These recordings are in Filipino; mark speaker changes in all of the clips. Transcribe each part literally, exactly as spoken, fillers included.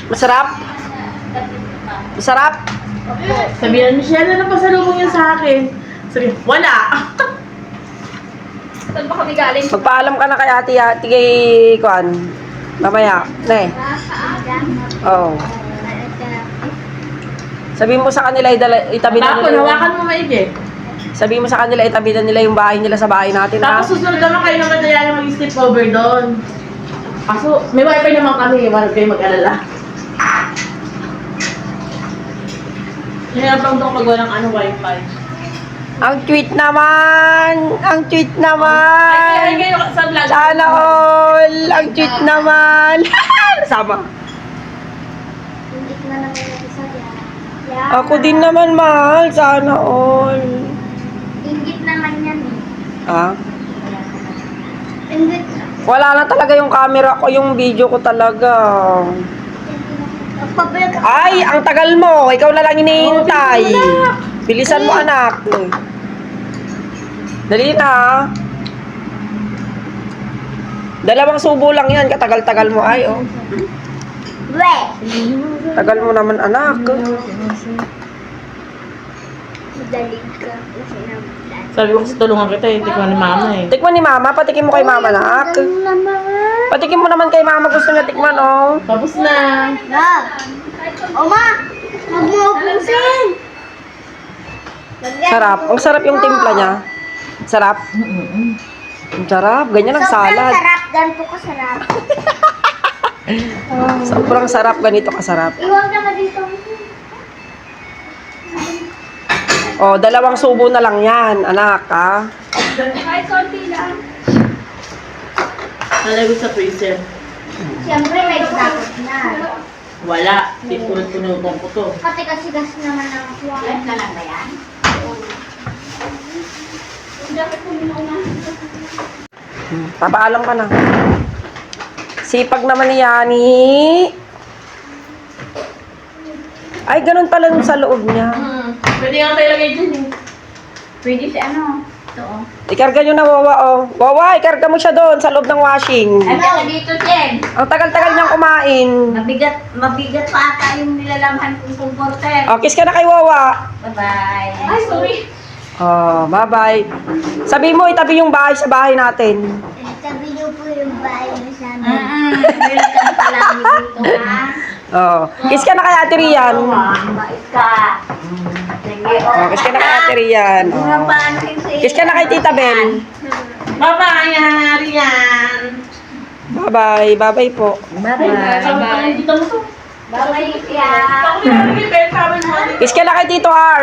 Speaker 1: Masarap? Masarap?
Speaker 2: Sabihan, Michelle, ano pasalubong niya sa akin? Sabi, wala.
Speaker 3: Saan ba kami galing?
Speaker 1: Magpaalam ka na kay ate, ate kay Kuan. Mamaya. Ne. Oo. Oh. Sabihin mo sa kanila, idala, itabi na
Speaker 2: Tapos,
Speaker 1: nila yung...
Speaker 2: hawakan mo maigi.
Speaker 1: Sabihin mo sa kanila, itabi na nila yung bahay nila sa bahay natin, ha?
Speaker 2: Tapos susunod naman kayo naman na yan mag-step over doon. Kaso, may wifi naman kami, huwag kayo mag-alala. Hinapang doon magawa ng ano, wifi.
Speaker 1: Ang tweet naman! Ang tweet
Speaker 2: Ay,
Speaker 1: naman!
Speaker 2: kayo sa vlog.
Speaker 1: Sana all! Ang tweet naman! Sama.
Speaker 3: Hindi ko na naman yung isa yan.
Speaker 1: Ako din naman, mahal. Sana all.
Speaker 3: Ingit naman yan eh.
Speaker 1: Ah?
Speaker 3: Ingit na.
Speaker 1: Wala na talaga yung camera ko, yung video ko talaga.
Speaker 3: Pabalik ako.
Speaker 1: Ay, ang tagal mo. Ikaw na lang hinihintay. Bilisan mo, anak. Dali na. Dalawang subo lang yan. Katagal-tagal mo. Ay, oh.
Speaker 3: We!
Speaker 1: Tagal mo naman, anak.
Speaker 3: Madaling ka. Kasi naman.
Speaker 2: Sabi ko kasi tulungan kita eh, tikman ni mama eh.
Speaker 1: Tikman ni mama. Patikim mo kay mama, anak.
Speaker 3: Ano naman?
Speaker 1: Patikim mo naman kay mama. Gusto niya tikman, oh.
Speaker 2: Tapos na.
Speaker 3: Love! Oma! Huwag mo ubusin!
Speaker 1: Sarap. Ang sarap yung timpla niya. Sarap. Ang sarap. Ganyan ang
Speaker 3: Sobrang
Speaker 1: salad.
Speaker 3: sarap. Ganito ka sarap.
Speaker 1: Sobrang sarap. Ganito kasarap.
Speaker 3: Iwag naman dito.
Speaker 1: Oh, dalawang subo na lang yan, anak, ha?
Speaker 3: Kahit konti lang.
Speaker 2: Nalagay sa freezer.
Speaker 3: Siyempre may dapat na.
Speaker 2: Wala. Tinulog-tunugan ko to.
Speaker 3: Kasi kasi gas naman ang kuha. Live ka lang ba yan? Dapat kuminom na.
Speaker 1: Hmm, papaalam ka na. Sipag naman ni Yani. Ay, ganun pala yung sa loob niya.
Speaker 2: Hmm. Pwede nga tayo lagay dyan eh.
Speaker 3: Pwede si ano? Ito oh.
Speaker 1: Ikarga nyo na, Wawa, oh. Wawa, ikarga mo siya doon sa loob ng washing.
Speaker 3: Ano dito, Jen?
Speaker 1: Ang tagal-tagal niyang kumain.
Speaker 3: Mabigat, mabigat pa ata yung nilalamhan kong comforter.
Speaker 1: Oh, kiss ka na kay Wawa.
Speaker 3: Bye-bye. Ay, sorry.
Speaker 1: Oh, bye-bye. Sabi mo, itabi yung bahay sa bahay natin.
Speaker 3: Sabi niyo po yung bahay niyo sa amin. Mm-mm. Welcome pa lang dito, ha?
Speaker 1: Oh, kiss ka na kay Ate Rian.
Speaker 3: Bait ka. Sige,
Speaker 1: Oh, kiss ka na kay Ate Rian. Oh. Kiss ka na kay Tita Bel.
Speaker 2: Bye-bye, Rian.
Speaker 1: Bye-bye. Bye-bye po.
Speaker 2: Bye-bye. Dito mo to.
Speaker 3: Bye-bye, Pia.
Speaker 1: Kiss ka na kay Tito R.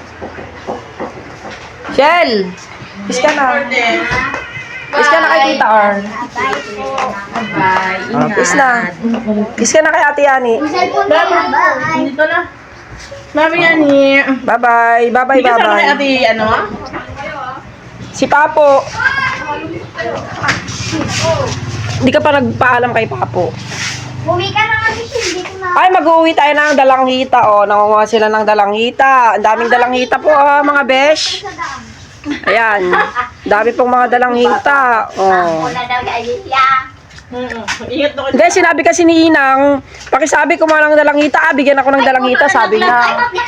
Speaker 1: Shell. Kiss ka na. Kiss ka na kay Tita R.
Speaker 3: Bye po.
Speaker 2: Bye.
Speaker 1: Oh, kiss na. Kiss ka na kay Ate Yani.
Speaker 3: Yung cellphone ko na. Bye.
Speaker 2: Dito na. Mami yan eh.
Speaker 1: Bye-bye. Bye-bye,
Speaker 2: Hindi ka sama kay
Speaker 1: bye-bye.
Speaker 2: ate, ano ah?
Speaker 1: Si Papo. Hindi ka pa nagpaalam kay Papo.
Speaker 3: Bumi ka na kasi hindi ko na.
Speaker 1: Ay, mag-uwi tayo ng dalanghita. Oh, nangunguha sila ng dalanghita. Ang daming dalanghita po, ah, mga besh. Ayan. Dami pong mga dalanghita. Oh.
Speaker 3: Wala daw kay Alicia.
Speaker 2: Ingat na ko.
Speaker 1: Hindi, sinabi kasi ni Inang, pakisabi ko mga ng dalanghita, ah, bigyan ako ng dalanghita, sabi niya.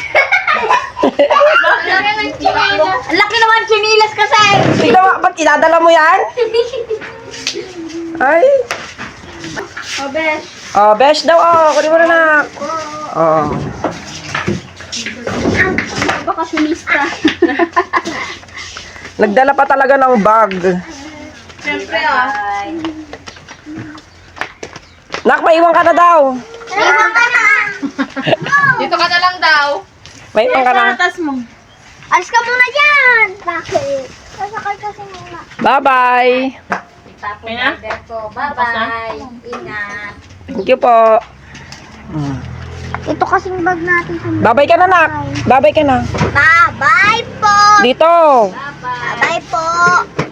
Speaker 3: Ang laki naman chinilas kasi.
Speaker 1: Tignan mo, ba't idadala mo yan? Ay.
Speaker 3: Oh, besh.
Speaker 1: Oh, besh daw, oh, kunin mo na na. Oh.
Speaker 3: Bakasyonista.
Speaker 1: Nagdala pa talaga ng bag.
Speaker 2: Siyempre ah.
Speaker 1: Nak, maiwan ka na daw.
Speaker 3: Iwan ka na.
Speaker 4: Dito ka na lang daw.
Speaker 1: Maiwan ka na.
Speaker 2: Atas mo.
Speaker 3: Alis ka muna dyan. Bakit? Sasakay kasi muna.
Speaker 1: Bye-bye.
Speaker 3: Tapos
Speaker 2: Okay na?
Speaker 3: order ko. Bye-bye. Ingat.
Speaker 1: Thank you po.
Speaker 3: Ito kasing bag natin.
Speaker 1: Babay ka na, Nak. Babay ka na.
Speaker 3: Bye-bye po.
Speaker 1: Dito.
Speaker 3: Bye-bye po.